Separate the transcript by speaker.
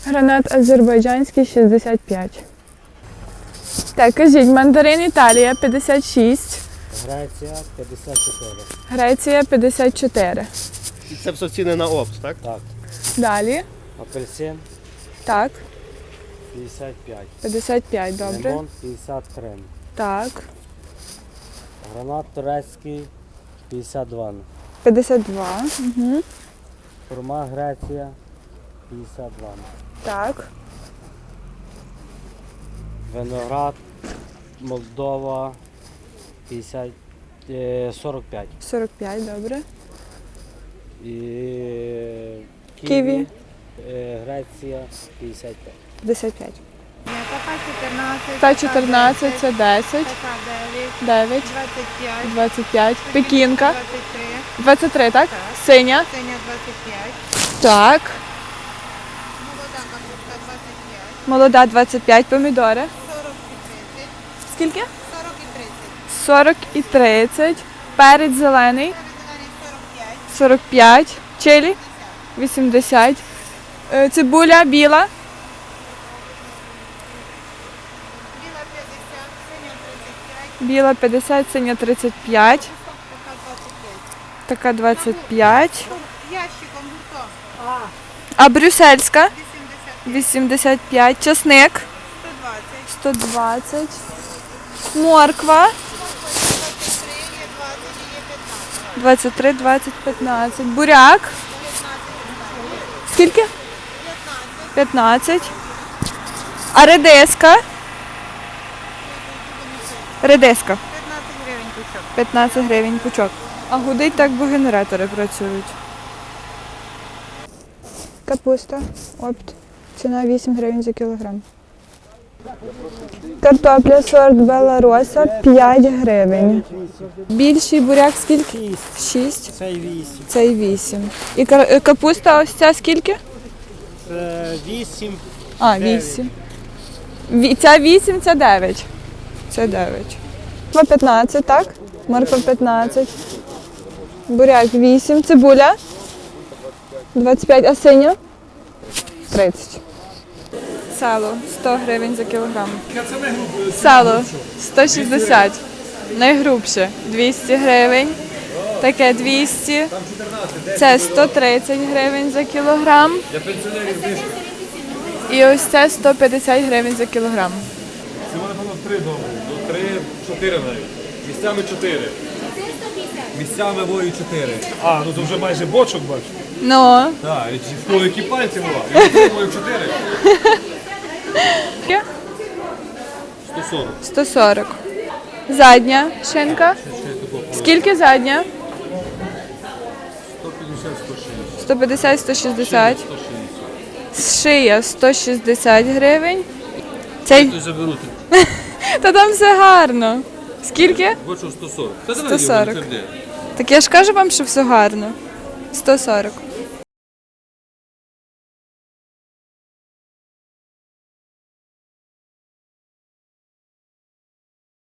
Speaker 1: Гранат азербайджанський 65. Так, кажіть, мандарин Італія 56.
Speaker 2: Греція 54.
Speaker 1: Греція 54.
Speaker 3: І це все ціни на опт, так?
Speaker 2: Так.
Speaker 1: Далі.
Speaker 2: Апельсин
Speaker 1: Так.
Speaker 2: 55.
Speaker 1: 55, добре.
Speaker 2: Лимон 53.
Speaker 1: Так.
Speaker 2: Гранат турецький 52.
Speaker 1: 52. Угу.
Speaker 2: Хурма Греція 52.
Speaker 1: Так.
Speaker 2: Виноград Молдова 45.
Speaker 1: 45, добре.
Speaker 2: І
Speaker 1: Ківі.
Speaker 2: Греція 55.
Speaker 1: 55.
Speaker 4: Така 14.
Speaker 1: Та 14, це 10.
Speaker 4: Така
Speaker 1: 9.
Speaker 4: 9. 25.
Speaker 1: 25. Пекінка.
Speaker 4: 23.
Speaker 1: 23, так?
Speaker 4: Так.
Speaker 1: Синя.
Speaker 4: Синя 25.
Speaker 1: Так.
Speaker 4: Молода капуста 25.
Speaker 1: Молода 25. Помідори.
Speaker 4: 40 і 30.
Speaker 1: Скільки?
Speaker 4: 40 і 30.
Speaker 1: 40 і 30. Перець зелений.
Speaker 4: Перезелений 45.
Speaker 1: 45. Чилі. 80. Цибуля біла.
Speaker 4: Біла 50. Синя 35.
Speaker 1: Біла 50, синя 35.
Speaker 4: Така 25.
Speaker 1: Така 25.
Speaker 4: Ящиком гуртом.
Speaker 1: А брюссельська
Speaker 4: 85.
Speaker 1: 85. Часник
Speaker 4: 120.
Speaker 1: 120. Морква
Speaker 4: 23, є 20, є 15.
Speaker 1: 23, 20, 15. Буряк. Скільки? 15. А редиска? Редиска.
Speaker 4: 15 гривень кучок.
Speaker 1: 15 гривень пучок. А гудить так, бо генератори працюють. Капуста. Опт. Ціна 8 гривень за кілограм. Картопля сорт Белароса 5 гривень. Більший буряк скільки? 6.
Speaker 2: Цей 8.
Speaker 1: Цей 8. І капуста ось ця скільки?
Speaker 2: 8.
Speaker 1: А, 8. Ця 8, це 9. Це 9. Морква 15, так? Морква 15. Буряк 8. Цибуля 25, а синя? 30. Сало 100 гривень за кілограм. Сало 160. Найгрубше 200 гривень. Таке 200. Це 130 гривень за кілограм. І ось це 150 гривень за кілограм.
Speaker 5: Це вони, напевно, 3 добре. Ну, 3, 4 навіть. Місцями 4. Місцями вою 4. А, ну то вже майже бочок бачу.
Speaker 1: Ну.
Speaker 5: Так, і в кого які пальці була. Я отримую 4. 140.
Speaker 1: 140. Задня шинка. Скільки задня?
Speaker 5: 150, 160.
Speaker 1: 150, 160. Шия 160 гривень. Цей...
Speaker 5: Хтось заберуть.
Speaker 1: Та там все гарно. Скільки?
Speaker 5: Бочок 140. Та
Speaker 1: 140. Так я ж кажу вам, що все гарно. 140.